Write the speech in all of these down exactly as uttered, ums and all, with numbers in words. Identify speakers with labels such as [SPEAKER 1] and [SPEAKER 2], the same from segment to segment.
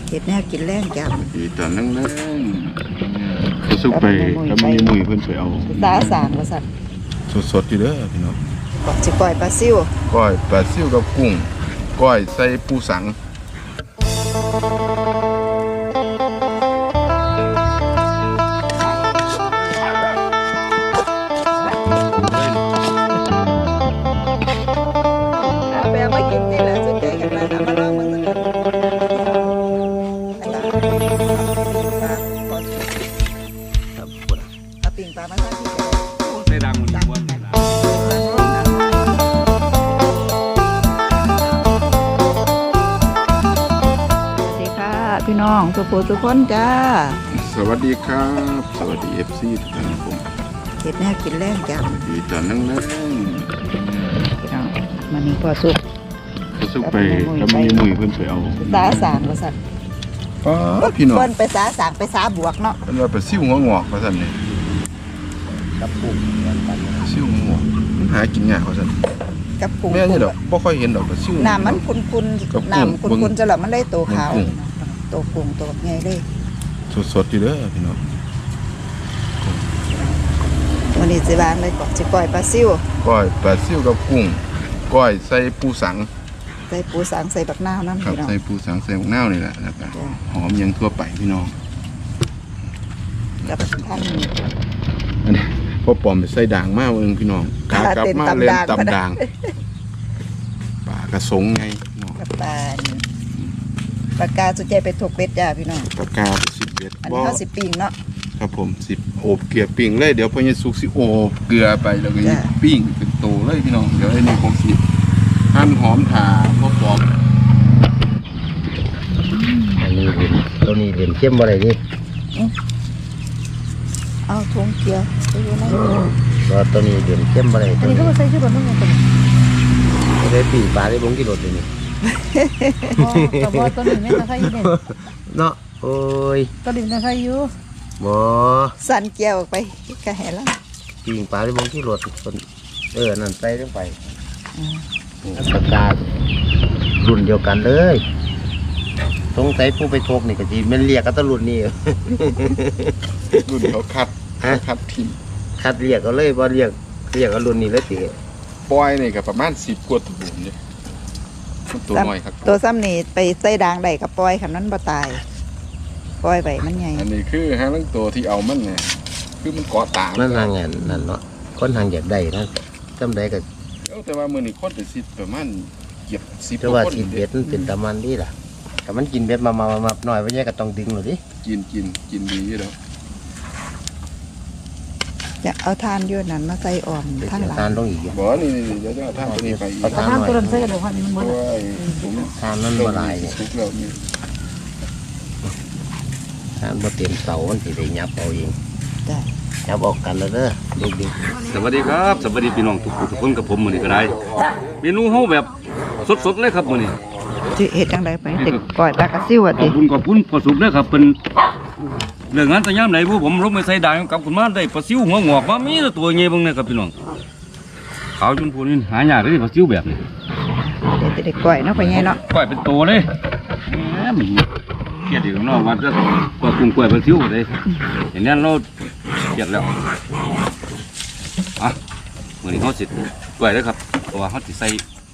[SPEAKER 1] เห็ดแนวกินแรงจัง
[SPEAKER 2] อีตอนนั่งเล่นเขาสุกไปแล้วมีมุยเพิ่นไปเอา
[SPEAKER 1] ตาสางว่าสั่น
[SPEAKER 2] สดๆอยู่เด้อพี่น้อง
[SPEAKER 1] บอกสิก้อยปลาซิว
[SPEAKER 2] ก้อยปลาซิวกับกุ้งก้อยใส่ปูสัง
[SPEAKER 1] แปลว่ากินนี่แหละสุดใจกันมาทำมาลองมึงสักคนเอาปิ่งปลามาใส่ที่
[SPEAKER 3] ใส่ดังมันดังวันส
[SPEAKER 1] วัสดีค่ะพี่น้องสุโขทุกคนจ้า
[SPEAKER 2] สวัสดีครับสวัสดีเอฟซีทุกท่านผม
[SPEAKER 1] เห็ดแนวกินแรงจัง
[SPEAKER 2] อีตอนนั่งเล่น
[SPEAKER 1] พี่น้องมันนี่พอสุก
[SPEAKER 2] เขาสุกไปแล้วมีมุยเพิ่นไปเอา
[SPEAKER 1] ตาสางว่าสั่น
[SPEAKER 2] ป้าพี่น้อง
[SPEAKER 1] เพิ่นไปสาสางไปสาบวกเนาะ
[SPEAKER 2] เพิ่นว่าไปซิ่วหัวงอกว่าซั่นนี่
[SPEAKER 3] กับกุ้ง
[SPEAKER 2] ซิ่วหัวงอกมันหากินยากว่าซั่น
[SPEAKER 1] กับกุ้ง
[SPEAKER 2] แม่นี่ดอกบ่ค่อยเห็นดอกก็ซิ่ว
[SPEAKER 1] น้ำมันคุ้นๆน้ำคุ้นๆจะหล่ะมันได้โตขาวโตกุ้งโตใหญ่เลย
[SPEAKER 2] สดๆอยู่เด้อพี่น้อง
[SPEAKER 1] วันนี้สิบางเลยก่อนสิก้อยปลาซิว
[SPEAKER 2] ก้อยปลาซิวกับกุ้งก้อยใส่ปูสัง
[SPEAKER 1] ใส่ปูสังใส่บักนาวนั่น
[SPEAKER 2] ครับใส่ปูสังใส่บักนาวนี่แหละแล้วก็หอมยังทั่วไปพี่น้อง
[SPEAKER 1] กับท่าน
[SPEAKER 2] อันนี้พอปอมไปใส่ด่างมากเองพี่น้องกากลับมาเล่นตำด่างปลากระสงไง
[SPEAKER 1] กับปลาปลากาสุดใจไปถกเป็ดจ้าพี่น้อง
[SPEAKER 2] ปลากาสิบเอ็ด
[SPEAKER 1] อันนี้เขาสิบปิงเนาะ
[SPEAKER 2] ครับผมสิบโอบเกลือปิ้งเลยเดี๋ยวพอเยซูสิโอบเกลือไปแล้วก็ปิ้งเป็นโตเลยพี่น้องเดี๋ยวไอ้นี่ผมสิหั่นหอมถ่าพอปอม
[SPEAKER 3] อันนี้เห็นตัวนี้เห็นเข้มอะไรนี่
[SPEAKER 1] เอาถุงเกลือไปอยู่ไหน
[SPEAKER 3] ว่าตัวนี้เห็นเข้มอะไร
[SPEAKER 1] อันนี้ก็ใส่ชื่อคนนู้นคนนี้
[SPEAKER 3] ไม่ได้ปีปลาได้บงกิโลตัวนี้
[SPEAKER 1] แต่ว่าตัวนี้ไม่ใส่ยูเนี่ย
[SPEAKER 3] เนาะโอ้ย
[SPEAKER 1] ตัวนี้ไม่ใส่ยู
[SPEAKER 3] บ่
[SPEAKER 1] สั่นเกี่ยวออกไปกระแหล่ะ
[SPEAKER 3] ปีปลาได้บงกิโลคนเออนั่นใส่ลงไปปลาการุ่นเดียวกันเลยสงสัยผู้ไปทกนี่ก็จีมันเรียกกันตะรุ่นนี่
[SPEAKER 2] รุ่นเขาคัดคัดทีม
[SPEAKER 3] คัดเรียกก็เลยบ่เรียกเรียกกันรุ่นนี้เลยตี
[SPEAKER 2] ปล่อยนี่ก็ประมาณสิบกว่าตัวเนี่ยตัวน้อยครับ
[SPEAKER 1] ตัวซ้ำนี่ไปใส่ด่างได้กับปล่อยขันนั้นบ่ตายปล่อยไปมันใหญ่
[SPEAKER 2] อันนี้คือหางลังตัวที่เอามันเนี่ยคือมันเกาะตา
[SPEAKER 3] มันทางงานนั่นเนาะคนทางอยากได้นะจำได้ก็
[SPEAKER 2] แต่ว่ามือนี่คนเป็นสิบประมาณเก็บสิบ
[SPEAKER 3] แต่ว่ากินเบ็ดมันเป็นตะมันดีล่ะแต่มันกินเบ็ดมามามาหน่อยไว้แยกก็ต้องดึงหน่อยดิ
[SPEAKER 2] กินกินกินดีแล้ว
[SPEAKER 1] จะเอาทานยื่นนั้นมาใส่อ่อม
[SPEAKER 3] ทางหลังทานต้องอีก
[SPEAKER 2] บ่นี่นี่เดี๋ยวจะเอาทานตัวนี้ไปอีก
[SPEAKER 1] ทานตัวนั้นใส่กันหรือว่ามันมัน
[SPEAKER 3] ทานนั่นบ่ได้เนี่ยทานบ่เต็มเสามันสิได้ยับเอาเองยับออกกันแล้วเด้อลูกดิ
[SPEAKER 4] สวัสดีครับสวัสดีพี่น้องทุกทุกคนกับผมมื้อนี้ก็ได้เมนูเฮาแบบสดๆเลยครับมื้อนี้
[SPEAKER 1] สิเฮ็ดจังได๋ไปเด็กปล่อยปลากระซิวอ่ะ
[SPEAKER 4] ติขอบคุณขอบคุณพอสุกเด้อครับเพิ่นเรื่องงานแต่ยามไหนผู้ผมลงไปใส่ด่างกับคุณมาได้ปลาซิวหัวงอกมามีแต่ตัวใหญ่เบิ่งเนี่ยครับพี่น้องขาวจนพูนี่หายากเลยปลาซิวแบบนี้
[SPEAKER 1] เด็กๆก้อยเนาะไปไงเนาะ
[SPEAKER 4] ก้อยเป็นโตเลยแหมมันเกลียดอีกน้องว่าจะกว่ากุ้งก้อยปลาซิวเลยอย่างนั้นเราเกลียดแล้วอ่ะมื้อนี้เฮาสิก้อยเด้อครับเพราะว่าเฮาสิใส่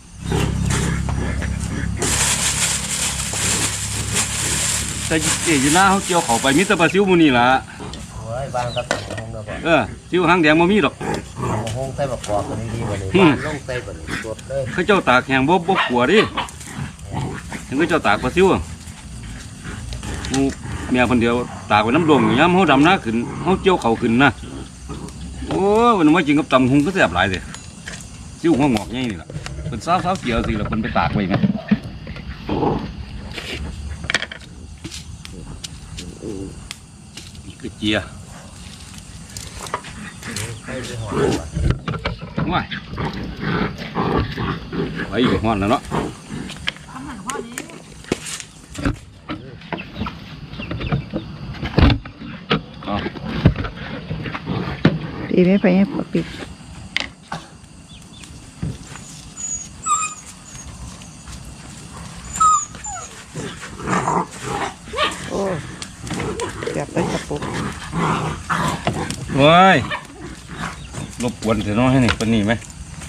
[SPEAKER 4] แต่เอ๋ยหน้าเขาเกี่ยวเขาไปมิตรปลาซิวมูนี่ล่ะ
[SPEAKER 3] โอ้ยบางก็ใส่ห้องแล้วบ่
[SPEAKER 4] เออซิวหางแดงบ่มีดอก
[SPEAKER 3] ห้องใส่บักกอกตัวนี้ดีกว่านี้บ้านลงใส่บัดสดเลย
[SPEAKER 4] เขาเจ้าตากแห้งบ่บ่กลัวดิถึงเขาเจ้าตากปลาซิวมูเมียคนเดียวตากไว้น้ำดงยามเขาดำหน้าขึ้นเขาเกี่ยวเขาขึ้นนะโอ้วันนี้มากินกับตำหุงก็แซ่บหลายเลยซิวหัวงอกใหญ่นี่ล่ะเป็นสาวๆเกี่ยวสิแล้วเพิ่นไปตากไว้ไงคือเจียว้ายไว้อยู่ห้อนแล้วเนาะ
[SPEAKER 1] ปีไม่ไปให้ปปิด
[SPEAKER 4] ว้ายรบกวนเถอะน้องให้นี่ปนนี่ไหม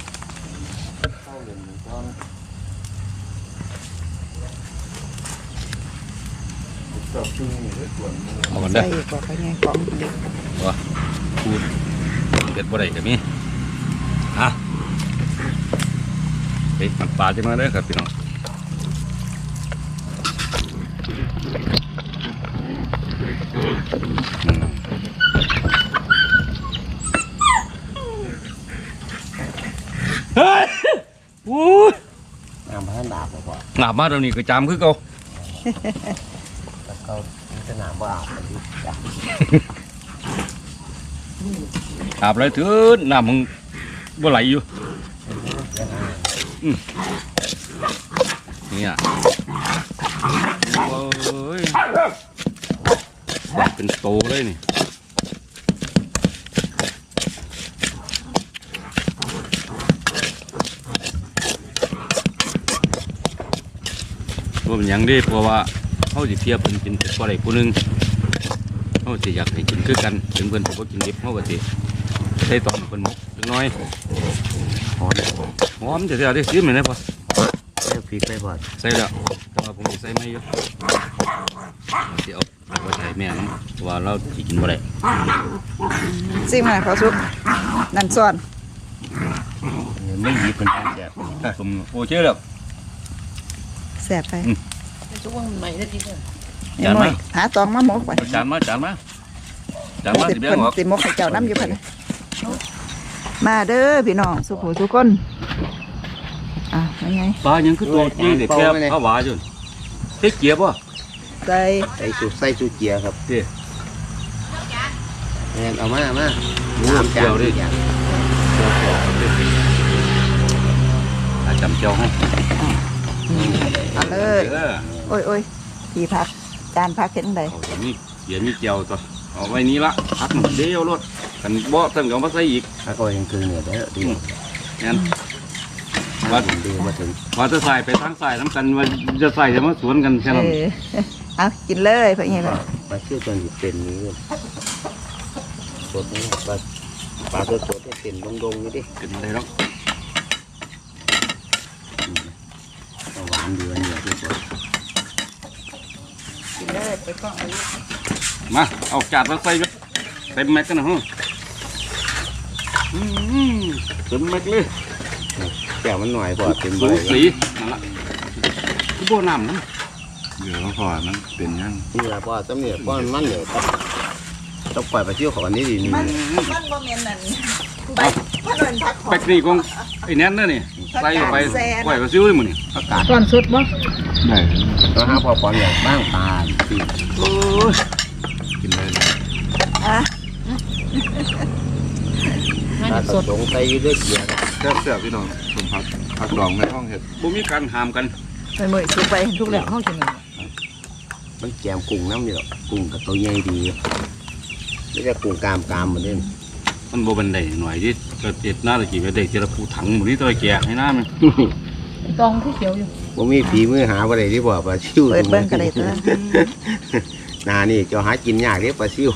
[SPEAKER 4] เอากัน
[SPEAKER 1] ใส่
[SPEAKER 4] ได้
[SPEAKER 1] อีกว่าไปไงของเด็ก
[SPEAKER 4] วะพูดเด็ดบ่ได้กับมีฮะเฮ้ยมันปลาจะมาได้อครับพี่น้องอืมเฮ้ยอู้ย
[SPEAKER 3] น้ำพันดาบบ่พอ
[SPEAKER 4] หนาบมาเดี๋ยวนี้ก็จามคือเก่า
[SPEAKER 3] แล้วก็สนามบ่อาบกันดิจ้ะ
[SPEAKER 4] อาบไรเถิดน้ำมึงบ่ไหลอยู่อืมเนี่ยโอ้ยมันเป็นโตเลยนี่ว่าเป็นหยังเด้เพราะว่าเขาสิเทียบเป็นกินเป็นอะไรผู้หนึงเขาสิอยากให้กินคือกันถึงเพิ่นสิบ่กินดิบเขาก็สิใส่ตอนเพิ่นหมกจักหน้อยหอมหอมจะเสียดิซิมเลยนะพ่อ
[SPEAKER 3] ใส่พริกไปพอ
[SPEAKER 4] ใส่แล้วแต่ว่าผมสิใส่ไม่เยอะสิเอาเอาไว้ใส่แม่น้ำเพราะว่าเราสิกินบ่ได้
[SPEAKER 1] ซิมมาพอสุกนั่นซ้อน
[SPEAKER 3] ไม่หยิบเป็นแซ่บ
[SPEAKER 4] สมโอเคแล้ว
[SPEAKER 1] แสบไป
[SPEAKER 5] ช่วงใหม่ได้ดีเลย
[SPEAKER 1] นี่หน่อยหาตองมาหมกไป
[SPEAKER 4] เอาจานมาจานมาจานมา
[SPEAKER 1] สิ
[SPEAKER 4] สิแบ่
[SPEAKER 1] เพิ่
[SPEAKER 4] ง
[SPEAKER 1] น
[SPEAKER 4] ออก
[SPEAKER 1] สิหมกให้เจ้าน้ำอยู่เพิ่นน่ะมาเด้อพี่น้องสุขทุกคนอ่ะยังไง
[SPEAKER 4] ปลายังคือตัวยี่เด็กแค่ข้าวหวานอยู่เฮ็ดเกียบบ่
[SPEAKER 1] ใส่
[SPEAKER 3] ใส่สูใส่สูเจียครับ
[SPEAKER 4] เด้
[SPEAKER 3] แม่นเอามามา
[SPEAKER 4] เจียวดิอาจำเจียวให้
[SPEAKER 1] เอาเลย
[SPEAKER 4] เออ
[SPEAKER 1] โอ้ยโอ้ยพี่พักจานพักเห็นใด
[SPEAKER 4] เอาเดี๋ยวนี้เดี๋ยวนี้เจียวตัวเอาไว้นี้ละพักหนึ่งเดียวรถกันบ่ต้องเอามาใส่อีก
[SPEAKER 3] ถ้าก็ยังคือเนี่ยเด้อดี
[SPEAKER 4] งั้น
[SPEAKER 3] ว่าถึงดีมาถึง
[SPEAKER 4] ว่าจะใส่ไปทางใส่น้ำกันว่าจะใส่จะมาสวนกันแค่นั้น
[SPEAKER 1] เออเอากินเลยเพื่อนไงล่ะ
[SPEAKER 3] ปลาเชื่อจนอยู่เป็นนี้สดนี่ปลาปลาสดสดให้เป็นดงๆนี่ดิ
[SPEAKER 4] กินอะไรแล้ว
[SPEAKER 3] หวานดีวันนี้ที่สุด
[SPEAKER 1] กินเลยไปกล้องเอา
[SPEAKER 4] มาเอาจานมาใส่กันเต็มแม็กกันนะฮะอืมเต็มแม็กเลย
[SPEAKER 3] แก้วมันหน่อยพอเป็น
[SPEAKER 4] สู
[SPEAKER 3] ใบ
[SPEAKER 4] สีนั่นละคือบ่น้ำนะ
[SPEAKER 2] เดี๋ยวพอมันเป็นยัง
[SPEAKER 3] นี่แหละพอสำเนียงพอมันเนี่ยต้องปล่อยปลาเชื่อของอันนี้ดีนี่
[SPEAKER 1] มันมันบ่แม่นนั่นไปมันเป็นพักขอ
[SPEAKER 4] แป๊กนี่ของไอ้แน่นนะนี่ใส่เข้าไปไหวกระซิ้วเลยมึงนี่
[SPEAKER 3] อากาศ
[SPEAKER 5] ก่อนสุดบ่
[SPEAKER 2] ได้
[SPEAKER 3] แล้วห้าพอปอนอย่างบ้างปลาปี
[SPEAKER 4] โอ้ย
[SPEAKER 2] กินได้เลย
[SPEAKER 1] อ่ะ
[SPEAKER 5] ให้
[SPEAKER 3] ปลา
[SPEAKER 5] สด
[SPEAKER 3] สดใส่ด้วยเกี๊ยว
[SPEAKER 2] แซ่บๆพี่น้องสมผักผักดองในห้องเห็ด
[SPEAKER 4] บ่มีการห้ามกัน
[SPEAKER 1] ไปมือสุกไป
[SPEAKER 5] ทุกแล้วห้องกินเลย
[SPEAKER 3] มันแกมกุ้งน้ำอยู่กุ้งกับตัวใหญ่ดีไม่ใช่กุ้งกามกามเหมือนเดิม
[SPEAKER 4] มันบ่บันไดหน่อยที่เกิดเด็ดหน้าตะกี้ไปเด็กเจรปูถังหมดนี่ตัวแก่ให้หน้ามัน
[SPEAKER 5] ตองที่เขียวอยู่
[SPEAKER 3] ว่ามีฝีมือหาอะไรที่บอกปลาซิว
[SPEAKER 1] เปิดเบิ้งกันเลยตัว
[SPEAKER 3] นานี่จะหากินยากเรียปลาซิว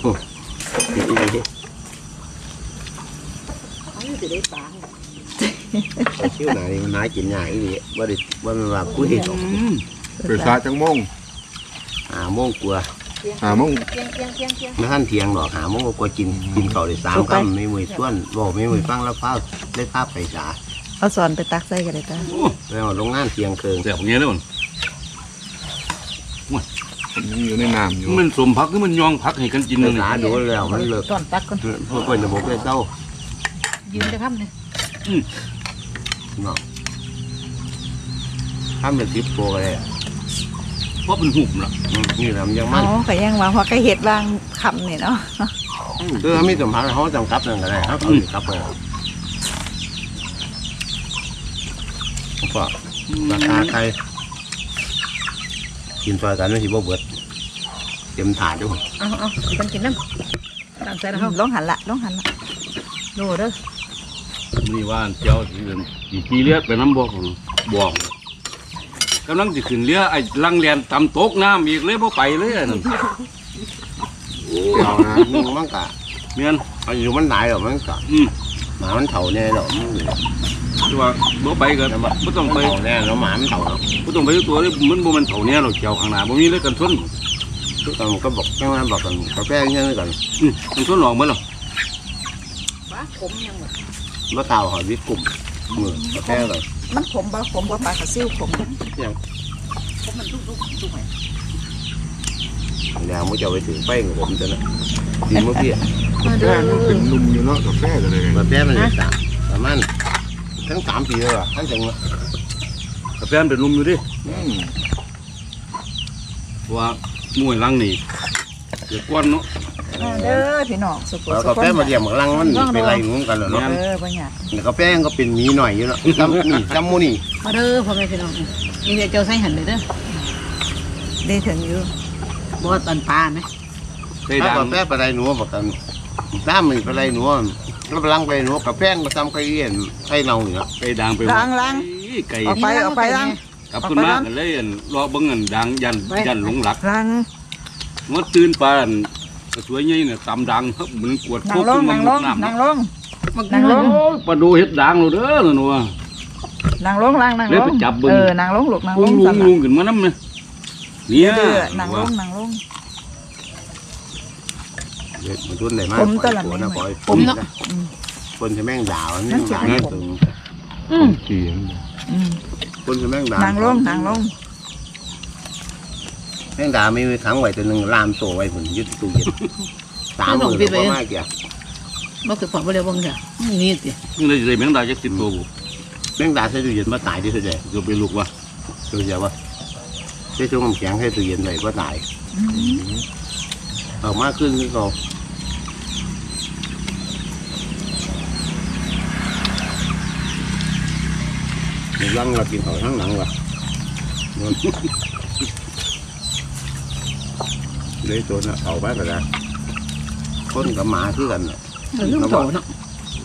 [SPEAKER 5] เขาอยู่สิได้ปลา
[SPEAKER 3] ปลาซิวนานี่มันหากินยากอีหลีว่าดิว่ามันว่ากุ้ยดอก
[SPEAKER 2] ไปซาจังมง
[SPEAKER 3] หาโมงกลัว
[SPEAKER 2] หาโมง
[SPEAKER 5] เกียงเกียงเกียงเกียง
[SPEAKER 3] ไม่ท่านเทียงหรอกหาโมงก็กลัวกินกินเก่าได้สามคำไม่มือส่วนบอกไม่มือฟังแล้วพ้าได้ภาพไปสา
[SPEAKER 1] เอาสอนไปตักใส่กันเลยตัว
[SPEAKER 3] แล้วลงงานเทียงเคือง
[SPEAKER 4] แซ่บเงี้ยเลยมัน
[SPEAKER 2] มันยังอยู่ในน้ำอยู่
[SPEAKER 4] มันสมพักคือมันยองพักให้กันกิน
[SPEAKER 3] ภา
[SPEAKER 4] เลย
[SPEAKER 3] ษาดูแล้วมันเลิก
[SPEAKER 5] ก่อนตักก่อน
[SPEAKER 3] เพื่อเป็นระบบเลยเจ้า
[SPEAKER 5] ยืนจะทำเลย
[SPEAKER 3] เนาะทำเป็นทิปโปเลย
[SPEAKER 4] เพราะเป็นหุบล่ะ
[SPEAKER 3] นี่แหละมันยัง
[SPEAKER 1] อ๋
[SPEAKER 3] มั
[SPEAKER 1] อน ก็ยังว่าพอก็เห็ดบางคำนี่เนาะ
[SPEAKER 3] คือเขาไม่สัมผัสเขาจำกัดนั่นก็ได้เขาเขาจำกัดไปก็ราคาใครกินซอยกันไม่ใช่บ่เบิดเต็มถาดด้วย
[SPEAKER 5] เอาเอาสิกันกินน้ำตามใจแล้วเขา
[SPEAKER 1] ลงหันละลงหันละ
[SPEAKER 5] โดเด้อ
[SPEAKER 4] นี่ว่าเจ้าสิเดินสิขี่เรือไปน้ำบ่อของบ่องกำลังสิขึ้นเรือไอ้ลังเรียนตำตกน้ำอีกเลยบ่ไปเลยอันนั่น
[SPEAKER 3] เรานะนุ่งมั่งกะ
[SPEAKER 4] เมียน
[SPEAKER 3] อายุมันหลายหรอกมันก็
[SPEAKER 4] อืม
[SPEAKER 3] หมามันเฒ่าแน่หรอก
[SPEAKER 4] คือว่าบ่ไปก็บ่ต้องไป
[SPEAKER 3] เฒ่าแน่แล้วหมามันเฒ่าเนาะ
[SPEAKER 4] บ่ต้องไปตัวนี้มันบ่แม่นเฒ่าแน่หรอกเกี่ยวข้างหน้าบ่มีเลยกันชน
[SPEAKER 3] ทุกคนก็บอกแค่ว่าบอกกันกาแฟยังไงกัน
[SPEAKER 4] อืมกันชนหลอกบ่ล่ะ
[SPEAKER 5] ว้าผมยังหมด
[SPEAKER 3] ว่าเต่าหอยวิกลุ่มมือกาแฟเลย
[SPEAKER 1] มันขมบ่ขมบ่ปลากระซิวขม
[SPEAKER 5] ผมมันทุกๆทุกๆไป
[SPEAKER 3] แล้วมันจะไปถึงไฟของผมจะนะดีเมื่อกี้
[SPEAKER 5] มา
[SPEAKER 2] แฟ
[SPEAKER 5] เด้อ
[SPEAKER 2] มันเป็นนุ่มอยู่เนาะกาแฟก็เลย
[SPEAKER 3] กาแฟมันเลยสามประมาณทั้งสามปีเลยอ่ะทั้งจังเลย
[SPEAKER 4] กาแฟมันเป็นลมอยู่ดิ
[SPEAKER 2] อืม
[SPEAKER 4] เพราะว่าหมู่หลังนี่เกิดกวนเนาะ
[SPEAKER 1] มาเด้อพี่น้องสุข
[SPEAKER 3] แล้ว
[SPEAKER 1] สุ
[SPEAKER 3] กา
[SPEAKER 1] ข
[SPEAKER 3] แฟมาเรียมกับลังมันเป็นไรงูกันเหรอเนาะ
[SPEAKER 1] เออบ่อยาก
[SPEAKER 3] กาแฟก็เป็นมีหน่อยอยู่เนาะจำนี่จำมูนี่
[SPEAKER 5] มาเด้อพ่อแม่พี่น้องนี่เดี๋ยวเจ้าใส่หันเลยเด้อ
[SPEAKER 1] ได้ถึงอยู่
[SPEAKER 5] บ่ว่าตอนปลาไหม
[SPEAKER 4] ใส่
[SPEAKER 3] ถ้า
[SPEAKER 4] ด่าง
[SPEAKER 3] กาแฟไปไรหนูบอกกันถ้ามันไปไรหนูแล้วไปลังไปหนูกาแฟก็ทำไก่เอี้ยนไก่เน่าอยู่เนาะ
[SPEAKER 4] ใส่ด่างไป
[SPEAKER 1] ล้างล้าง
[SPEAKER 4] ไก่
[SPEAKER 1] ออกไปออกไปล้าง
[SPEAKER 4] กลับขึ้นมากันเลยอั่นรอเบิ่งอันด่างยันยันหลงหลัก
[SPEAKER 1] ล้าง
[SPEAKER 4] งดตื่นปานกระสวยใหญ่เนี่ยตำดังครับมันกวด
[SPEAKER 1] นั่งลงนั่งลงนั่งลง นั่งลง
[SPEAKER 4] โอ้ยปลาดูเฮ็ดดังเราเด้อนั่นว่า
[SPEAKER 1] นั่งลงล้างนั่ง
[SPEAKER 4] เล
[SPEAKER 1] ล
[SPEAKER 4] ย
[SPEAKER 1] ง
[SPEAKER 4] ไปจับเบิ่ง
[SPEAKER 1] เออนั่งลงลูกนั่งล
[SPEAKER 4] ลุ
[SPEAKER 1] ง
[SPEAKER 4] งลุ
[SPEAKER 1] สั่
[SPEAKER 4] ง
[SPEAKER 1] น
[SPEAKER 4] ลุ
[SPEAKER 1] ล่ะ
[SPEAKER 4] งขึ้นมาน้ำเนี่ยเนี่ย
[SPEAKER 1] เออนั่งลงนั่งลง
[SPEAKER 3] เด็กมันรุ่นไหนมาก
[SPEAKER 1] ผมตลอด
[SPEAKER 3] นะปล่อย
[SPEAKER 5] ผมเนาะ
[SPEAKER 3] คนจะแม่งด่ามันไม่ด่าตึง
[SPEAKER 5] อืม
[SPEAKER 2] เขียน
[SPEAKER 1] อืม
[SPEAKER 3] คนจะแม่งด่า
[SPEAKER 1] นั่งลงนั่งลง
[SPEAKER 3] แม่งด่าไม่มีขังไว้ตัวหนึ่งลามโซ่ไว้ผมยึดตู้เย็นสามหมื่นกว่ามากเกี่ย
[SPEAKER 5] บ่คือพอบ่ได้เบิ่งจ้ะนี่ติ
[SPEAKER 4] นี่เลยจะได้แมงดาจักสิบตัวบุ
[SPEAKER 3] แม่งด่าใส่ตู้เย็นมาตายที่สุดเลย
[SPEAKER 4] จะไปลูกวะ
[SPEAKER 3] ตัวเดียววะใช้ช่วงน้ำแข็งให้ตู้เย็นเลยก็ตาย
[SPEAKER 1] อืม
[SPEAKER 3] ออกมาขึ้นนี่ก็ลังเรากินเขาทั้งหลังวะเลยตัวน่ะเอาไปก็ได้คนกับหมาคือกันน่ะ
[SPEAKER 5] เออลืมโตเนาะ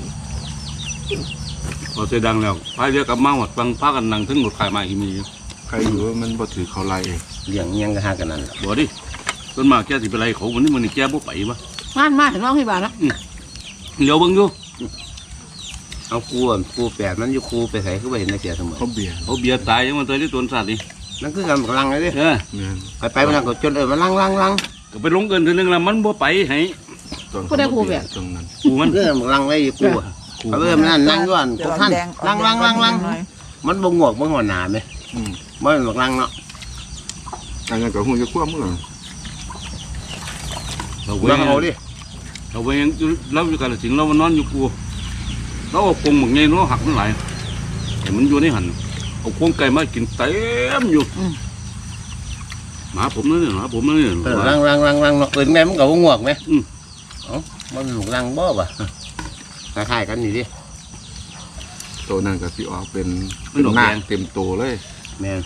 [SPEAKER 4] พอเสียดังแล้วพายเรือกลับมาหมดฟังพากันนั่งถึงรถขายมาอีมีอยู่
[SPEAKER 2] ใครอยู่ว่ามันบ่ถือเขาไล่เอง
[SPEAKER 3] เลี้ยงเงี้ยงก็หากันนั่นแหละ
[SPEAKER 4] บ่ดิต้นมากแกสิไปไรเขาวันนี้มันนี่แกบ่ไปวะ
[SPEAKER 5] มามาถึงน้องที่บ้านแล้ว
[SPEAKER 4] เดี๋ยวเบิ่งอยู่
[SPEAKER 3] เอาครูอ่ะครูแปดมันอยู่ครูไปใส่ก็ไปเห็นในเสียเสมอ
[SPEAKER 2] เขาเบียร์
[SPEAKER 4] เขาเบียร์ตายยังมันตายที่ต้นสัตว์นี่
[SPEAKER 3] นั่นคือการกำลังเลยดิ
[SPEAKER 4] เออ
[SPEAKER 2] เนี่ย
[SPEAKER 3] ไปไปมันก็จนเออมันลังลังลัง
[SPEAKER 4] ก็ไปลงเกินทีนึงแล้วมันบ่ไปให้
[SPEAKER 2] ตอนเขาเบียร์ตรงนั้น
[SPEAKER 4] กูมัน
[SPEAKER 3] เรื่องกำลังเลยครูอ่ะเอาเออมันนั่นนั่งย้อนพวกท่านลังลังลังลังมันบ่งวกบ่งหัวหนาไหม
[SPEAKER 2] อืม
[SPEAKER 3] มันบักลังเนาะ
[SPEAKER 2] อันนั้นก็หูจะคว้ามือ
[SPEAKER 4] เรา
[SPEAKER 3] ลังเอา
[SPEAKER 4] เว้ย
[SPEAKER 3] ดิ
[SPEAKER 4] เราเว้ยยังเราอยู่กันสิงเรามันนอนอยู่กูเราเอากรงหมึกไงเราหักมันหลายแต่มันอยู่ในหันเอากรงไก่มากินเต็มอยู่หมาผมนั่นเนี่ยหมาผมนั่นเนี่ย
[SPEAKER 3] เออลังลังลังลังเนาะเอินแม่มันก็บ่งวกไหม
[SPEAKER 4] อืม
[SPEAKER 3] เอ้ามันหลุกลังบ่ป่ะคล้ายๆกันนี่ดิ
[SPEAKER 2] ตัวนั้นก็สิออกเป็นเป็นหน้าเต็มโตเลย
[SPEAKER 3] แม่น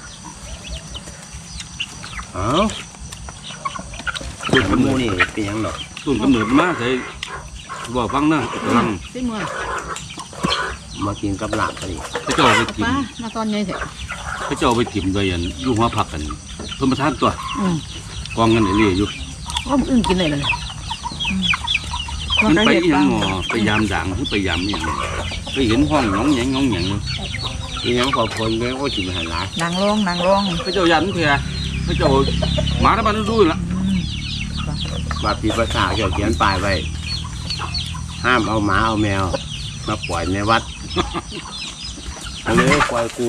[SPEAKER 3] เอ้า
[SPEAKER 4] ต้น
[SPEAKER 3] ข
[SPEAKER 4] กำ
[SPEAKER 3] มู
[SPEAKER 4] เนิด
[SPEAKER 3] นี่เป็นหยังดอก
[SPEAKER 4] ต้นกำเนิดมาใส่บอกฟังนะกำลัง
[SPEAKER 5] สิมื้อ
[SPEAKER 3] มากินกับลาบก็ดี
[SPEAKER 4] พระเจ้าเอาไปถิ่ม
[SPEAKER 5] ป้ามาตอนใหญ่แท้
[SPEAKER 4] พระเจ้าเอาไปถิ่มโดยอันอยู่หัวผักกันเพิ่มประทานตัว
[SPEAKER 5] อืม
[SPEAKER 4] กองกันเรื่อยๆอยู่
[SPEAKER 5] ก็มื้ออื่นกินได้เลย
[SPEAKER 1] มัน
[SPEAKER 4] มัน
[SPEAKER 1] ก็
[SPEAKER 4] ไป
[SPEAKER 1] เห็ด
[SPEAKER 4] อีหยั
[SPEAKER 1] บาง ง
[SPEAKER 4] หมอไปยามด่างหรือไปยามอีหยังไปเห็นห้องหนองแหงหนองแหงเลย
[SPEAKER 3] อีหยังพอคนแม่ก็สิมาหาหลาย
[SPEAKER 1] นั่งลงนั่งลง
[SPEAKER 4] พระเจ้ายันเพียพระเจ้าหมาทั้งบ้านรู้ละ
[SPEAKER 1] อืม
[SPEAKER 3] ว่าปีภาษาเกี่ยวเขียนป้ายไว้ห้ามเอาหมาเอาแมวมาปล่อยในวัด อันนี้ปล่อยกู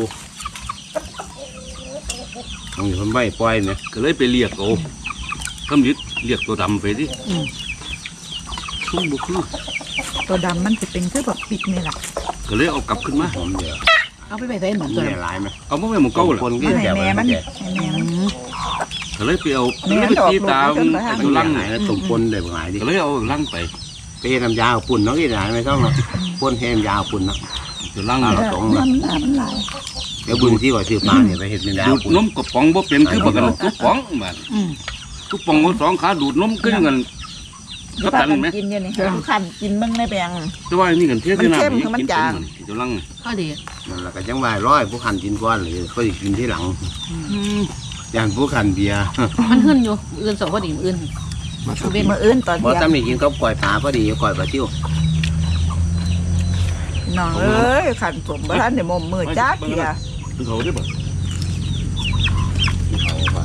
[SPEAKER 3] มึงอยู่คนใบปล่อยเนี่ย
[SPEAKER 4] ก็เลยไปเรียกเอาคำยึดเรียกตัวดำไปดิ
[SPEAKER 5] อืม
[SPEAKER 4] ชุ่มบุคือ
[SPEAKER 1] ตัวดำมันจะเป็นคือแบบปิดนี่แหละ
[SPEAKER 4] ก็เลยเอากลับขึ้นมา
[SPEAKER 3] หอมเดียว
[SPEAKER 5] เอาไปไปใส่หนังตัว
[SPEAKER 3] เนี่ยหลายไหม
[SPEAKER 4] เอามาไว้หมู่เก่า
[SPEAKER 3] ค
[SPEAKER 4] ล่ะ
[SPEAKER 3] นก็
[SPEAKER 1] มันให้
[SPEAKER 3] แก่
[SPEAKER 1] แม่
[SPEAKER 3] ไว้
[SPEAKER 1] มัน
[SPEAKER 3] แก่
[SPEAKER 1] ให้แม่มัน
[SPEAKER 4] ก็เลยไปเอา
[SPEAKER 1] แม่
[SPEAKER 4] ก็เลยไป
[SPEAKER 1] ดอก
[SPEAKER 4] ตีตาม
[SPEAKER 1] ลูกมัน
[SPEAKER 4] ไอ้
[SPEAKER 1] ขึ้
[SPEAKER 4] ตั
[SPEAKER 1] น
[SPEAKER 4] ว
[SPEAKER 1] ไป
[SPEAKER 4] ลัง
[SPEAKER 3] หายแล้วตุ่มปนได้บ่หลายดิ
[SPEAKER 4] ก็เลยเอาลังไป
[SPEAKER 3] ไปเฮ็ดน้ำยาปุ่นเนาะที่ไหนไม่ต้องหรอกปนเฮ็ดน้ำยาปุ่นเนาะ
[SPEAKER 4] ตัวลัง
[SPEAKER 3] อ่า
[SPEAKER 4] เนี่ย
[SPEAKER 3] สอง
[SPEAKER 1] มั
[SPEAKER 3] ละ
[SPEAKER 1] นหนามันหลาย
[SPEAKER 3] เดี๋ยวบุญที่ว่าซื้อมาเนี่ยไปเฮ็ดน้ำยา
[SPEAKER 4] ดูด
[SPEAKER 3] ปุ่น
[SPEAKER 4] นมกระป๋องบ่เป็นคือบักกันทุกป๋องบ้าน
[SPEAKER 5] อืม
[SPEAKER 4] ทุกป๋องเอาสองขาดูดนมขึ้นกัน
[SPEAKER 1] ที่
[SPEAKER 4] กับ
[SPEAKER 1] พา
[SPEAKER 4] กัน
[SPEAKER 1] กัน
[SPEAKER 4] ไหม
[SPEAKER 1] กินเนี่ยนี่ทุกขันกินมึงในแปลง
[SPEAKER 4] แต่ว่านี่กันเทียบ
[SPEAKER 1] มัน
[SPEAKER 4] ที่น้ำ
[SPEAKER 1] เข้ม
[SPEAKER 4] อีก
[SPEAKER 1] คือมัน
[SPEAKER 4] กิน
[SPEAKER 1] จาง
[SPEAKER 4] เป็นตัวลัง
[SPEAKER 5] ก็ดี
[SPEAKER 3] นั่นแหละก็จังว่าร้อยผู้คันกินก้อนหรือเขาสิกินที่หลัง
[SPEAKER 4] อืม
[SPEAKER 3] อย่างผู้คันเบียร์
[SPEAKER 5] มันขึ้นอยู่อื่นสองพอดีอื่น
[SPEAKER 2] มาสัก
[SPEAKER 5] เว้น
[SPEAKER 1] มื้ออื่นตอน
[SPEAKER 3] บ่
[SPEAKER 1] เที่ยง
[SPEAKER 3] ตำนี่กินกับก้อยปลาพอดีก้อยปลาซิ่ว
[SPEAKER 1] น้องเอ้ยขันสมบ่ทันได้มมมือจักเที่ย
[SPEAKER 4] คือเขาได้บ่
[SPEAKER 3] เขาว่า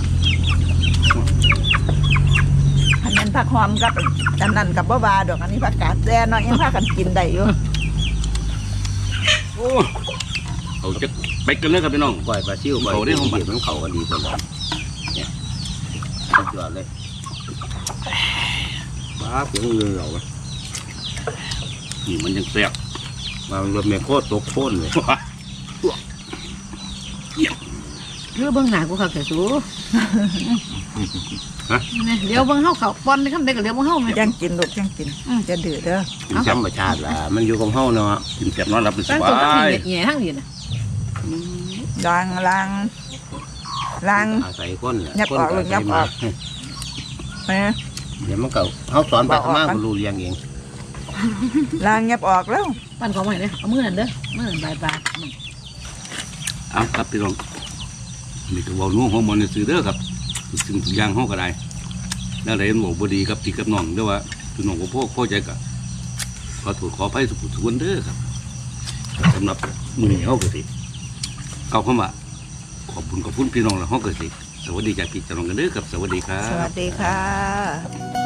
[SPEAKER 1] อันนั้นผักหอมกับอันนั้นกับบ่บาดอกอันนี้ผักกาดแซ่เนาะยังพากันกินได้อยู่
[SPEAKER 4] โอ้เขาจะไปกันเลยครับพี่น้อง
[SPEAKER 3] ก้อยปลาซิ่วก้อย
[SPEAKER 4] เขาได้ของมัน
[SPEAKER 3] มันเขากันดีเพิ่นว่าเนี่ยสุดยอดเลยบ้าเสียงเงินเหรอวะ
[SPEAKER 4] นี่มันยังแซ่บ
[SPEAKER 3] มารถแม่โคตรตกโค่นเลย
[SPEAKER 5] คือเบิ่งหน้ากูเขาแก่สู
[SPEAKER 4] ฮะ
[SPEAKER 5] นี่เดี๋ยวเบิ่งเฮาเขาปอนในคำใดก็เดี๋ยวเบิ่งเฮาแม่
[SPEAKER 1] ยังกินลูกยังกินจะดื้อเด้อ
[SPEAKER 3] เป็นธรรมชาติล่ะมันอยู่กับเฮาเนาะ
[SPEAKER 4] กินแซ่บนอนหลับเป็นส
[SPEAKER 5] ตั้ง
[SPEAKER 4] บา
[SPEAKER 5] ตัวทั้ง
[SPEAKER 4] ย
[SPEAKER 5] นี้แง่ทั้งนี้น่ะ
[SPEAKER 1] ล้างล้างล้าง
[SPEAKER 3] อาศัยคนแหละ
[SPEAKER 1] ยับ
[SPEAKER 3] คน
[SPEAKER 1] ออกลูกยับออก แหม
[SPEAKER 3] เดี๋ยวมันก็เฮาสอนไป
[SPEAKER 1] บอกออก
[SPEAKER 3] ทำมา
[SPEAKER 1] กัน
[SPEAKER 3] ก็รู้เรียงเอง
[SPEAKER 1] ล้างยับออกแล้ว
[SPEAKER 5] ปั้นของใหม่เด้อเอามือนั่นเด้อมือนั่นบายบาย
[SPEAKER 4] เอาครับพี่น้องนี่ก็เว้านุ่งของมันซื้อเด้อครับสิ่งทุกอย่างห้องก็ได้แล้วอะไรมันบอกบ่ดีครับที่กับน้องเด้อว่าพี่น้องก็พ่อพ่อใจก็ขอโทษขออภัยทุกทุกคนเด้อครับสำหรับมื้อนี้เฮาก็สิเอาเข้ามาขอบคุณขอบคุณพี่น้องและเฮาก็สิสวัสดีจากพี่น้องกันเด้อครับสวัสดีครั
[SPEAKER 1] สวั
[SPEAKER 4] บ
[SPEAKER 1] สดีค่ะ